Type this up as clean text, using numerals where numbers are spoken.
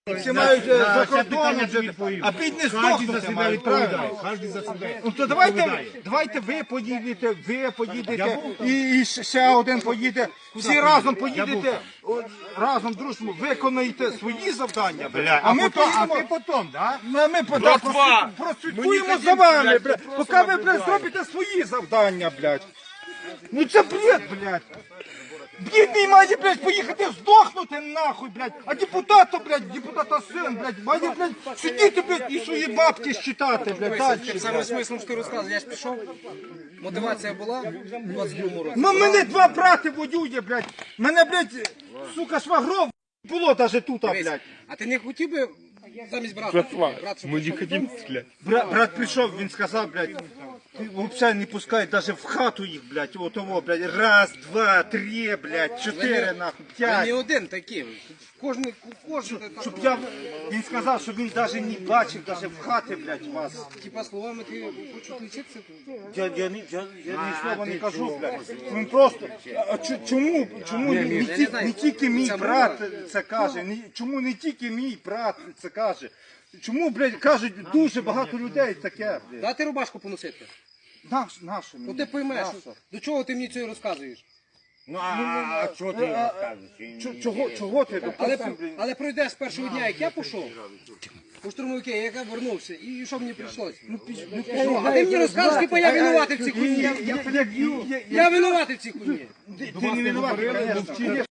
Всі мають за кордоном жити, а бідні здохнути за себе мають, відповідає. правильно? Кожен за себе. Ну то давайте ви поїдете і ще один поїде. Всі разом поїдете, разом дружно виконаєте свої завдання, бля. А ми поїдемо. ти потім, да? Ми прослідкуємо за вами, блядь, поки ви, блядь, зробите свої завдання, блядь. Ну це бред, блядь. Бідний має, блядь, поїхати здохнути нахуй, блядь. А депутата, блядь, депутата син, блядь, має, блядь, сидіти, блядь, і свої бабки считати, блядь, далі. Саме смислом, що ти розказуєш, я ж пішов, мотивація була в 22-му році. Ну мене два брати воює, блядь. Мене, блядь, сука, швагров було даже тут, блядь. А ти не хотів би замість брата? Ми не хотім стріляти. Брат прийшов, він сказав, блядь, ти взагалі не пускай даже в хату їх, блядь, отого, блядь, раз, два, три, блядь, чотири, нахуй, Я не п'ять. один такий. Кожен. Щоб я, він сказав, що він даже не бачив, даже в хати, блядь, вас. Типа словами ти хочеш відлічитися? Я ні слова не кажу, блядь. Він просто, чому не тільки мій брат це каже, чому не тільки мій брат це каже? Чому, блядь, кажуть дуже багато людей таке, блядь? Дати рубашку поносити. Нашу Ну ти поймеш, до чого ти мені це розказуєш. Ну а чого ти розказуєш? Чого ти, допустим, блядь? Але пройдеш з першого дня, як я пішов, у штурмовики, як я вернувся, і що мені прийшлося? А ти мені розказуєш, типа я винуватий в цій хуйні. Я винуватий в цій хуйні. Ти не винуватий, конечно.